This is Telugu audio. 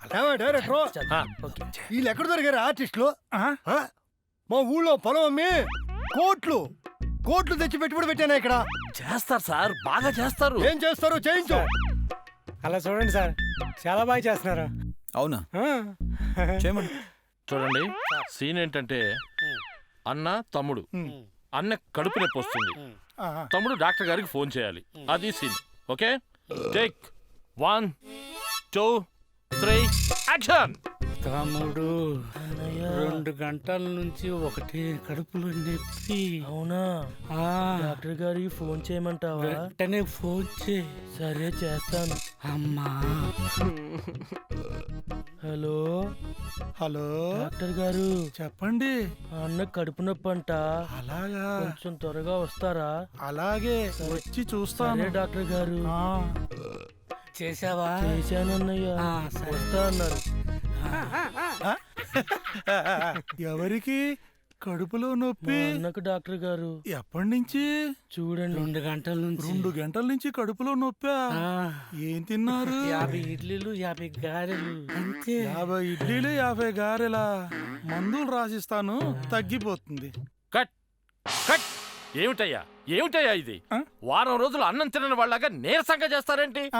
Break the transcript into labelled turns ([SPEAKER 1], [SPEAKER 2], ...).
[SPEAKER 1] డైరెక్టర్ వీళ్ళు ఎక్కడ దొరికారు ఆర్టిస్టులు? మా ఊళ్ళో పొలం అమ్మి కోట్లు తెచ్చి పెట్టుబడి పెట్టాను ఇక్కడ.
[SPEAKER 2] చేస్తారు సార్, బాగా చేస్తారు.
[SPEAKER 1] ఏం చేస్తారు చేయించు.
[SPEAKER 3] అలా చూడండి సార్, చాలా బాగా చేస్తున్నారు.
[SPEAKER 4] అవునా? చేయమని.
[SPEAKER 2] చూడండి, సీన్ ఏంటంటే అన్న తమ్ముడు, అన్న కడుపు నొప్పి వస్తుంది, తమ్ముడు డాక్టర్ గారికి ఫోన్ చేయాలి, అది సీన్. Okay, take 1 2 3 action.
[SPEAKER 5] తమ్ముడు 2 గంటల నుంచి ఒకటి కడుపులో నొప్పి.
[SPEAKER 6] అవునా? డాక్టర్ గారికి ఫోన్ చేయమంటావా?
[SPEAKER 5] వెంటనే ఫోన్ చేయి.
[SPEAKER 6] సరే చేస్తాను.
[SPEAKER 5] అమ్మా.
[SPEAKER 6] హలో
[SPEAKER 3] హలో
[SPEAKER 6] డాక్టర్ గారు,
[SPEAKER 3] చెప్పండి.
[SPEAKER 6] అన్న కడుపు నొప్పి అంట.
[SPEAKER 3] అలాగా?
[SPEAKER 6] కొంచెం త్వరగా వస్తారా?
[SPEAKER 3] అలాగే, వచ్చి చూస్తాను.
[SPEAKER 6] సరే డాక్టర్ గారు.
[SPEAKER 5] చేసావా?
[SPEAKER 6] చేశానన్నయ్య. వస్తా అన్నారు.
[SPEAKER 3] ఎవరికి కడుపులో నొప్పి?
[SPEAKER 6] అన్నకు డాక్టర్ గారు.
[SPEAKER 3] ఎప్పటి నుంచి?
[SPEAKER 6] చూడండి,
[SPEAKER 5] 2 గంటల నుంచి.
[SPEAKER 3] 2 గంటల నుంచి కడుపులో నొప్పా? ఏం తిన్నారు?
[SPEAKER 5] 50 ఇడ్లీలు 50 గారెలు అంతే.
[SPEAKER 3] 50 ఇడ్లీలు 50 గారెలా? మందులు రాసిస్తాను, తగ్గిపోతుంది.
[SPEAKER 2] Cut cut. ఏమిటయ్యా ఇది? వారం రోజులు అన్నం తినని వాళ్ళగా నీరసంగా చేస్తారేంటి?